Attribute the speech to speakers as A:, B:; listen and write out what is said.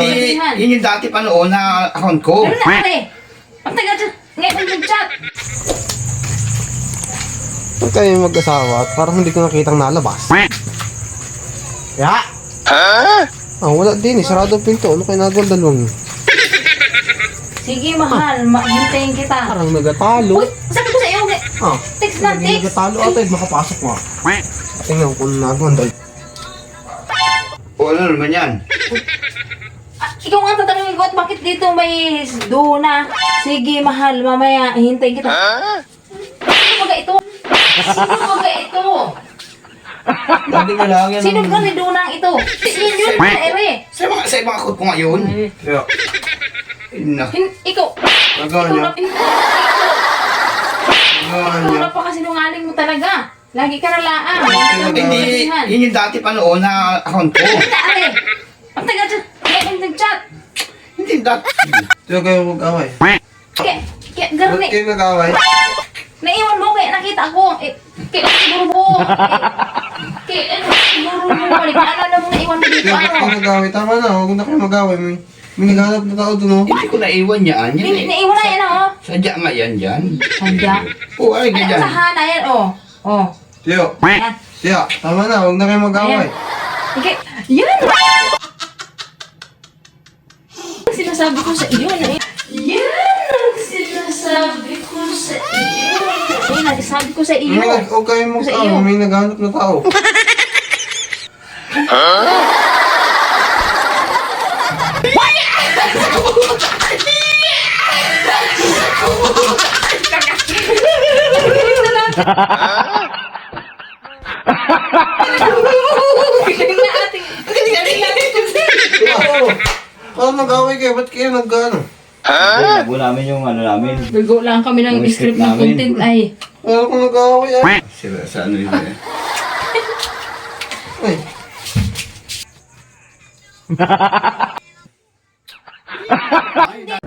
A: Hindi, yun yung dati pa noon na account ko.
B: Ano na ate? Ang tagal dyan. Ngayon nag-chat.
C: Ba't kayo mag-asawa at parang hindi ko nakitang nalabas? Ya? Ah, wala din eh. Sarado ang pinto. Ano kayo nagawa dalawang yun?
B: Sige mahal, hintayin kita.
C: Parang nagatalo.
B: Uy, sabi ko sa iyo,
C: Ah,
B: text na
C: hindi
B: text.
C: nagatalo ata. Makapasok mo. Tingnan ko kung nagawa dalawang.
A: O ano naman yan?
B: Ikaw nga tatanungin ko at bakit dito may duna. Sige mahal, mamaya hintayin kita. Sino baga ito? Sino baga ito?
A: Dati ka lang yan.
B: Sino ba ni dunang ito? Yun yun, ere.
A: Sa ibang account ko ngayon. Kaya, ina.
B: Ikaw.
A: Nagawa
B: Ikaw
A: niya.
B: na
A: Nagawa
B: Ikaw
A: niya.
B: na pa kasi nungaling mo talaga. Lagi ka nalaan.
A: Hindi, yun yung dati pa noon na account ko.
B: Ano na ere? Ang tagal dyan. Ngayon nag-chat.
A: Hindi dati.
C: Diyo kayo mag-away.
B: Kaya
C: Ba't
B: garni.
C: kayo nag-away?
B: Naiwan mo kaya nakita ko. Kaya siguro mo. Kaya siguro mo. Balik na alam mo naiwan mo dito.
C: Diyo, ba't kayo
B: Ano?
C: nag-away? Tama na, huwag na kayo mag-away. May naghanap na tao dun, oh.
A: Hindi ko naiwan yan. Yan eh.
B: Naiwan na yan oh.
A: Sadya nga yan dyan.
B: Sandya.
A: Oo, ay
B: Ano
A: ganyan.
B: sa hana yan oh. Oh.
C: Diyo,
B: Yan.
C: Diyo, tama na, huwag na kayo mag-away.
B: Okay. Yan! Sinasabi ko sa iyo na yan ang sinasabi ko sa iyo. Yan ang sinasabi ko sa iyo.
C: Huwag kayo
B: Sa iyo.
C: mag-away, may naghanap na tao.
B: Galing na ating. Galing na ating.
C: Oo. Parang nag-away kayo, ba't kayo nag-ano?
D: Bago namin yung ano namin.
B: Bigo lang kami ng
D: Yung
B: script
D: script
B: ng
D: namin.
B: content ay.
C: Parang kung nag-away ay.
A: Sila sa ano yun eh.
C: Ay.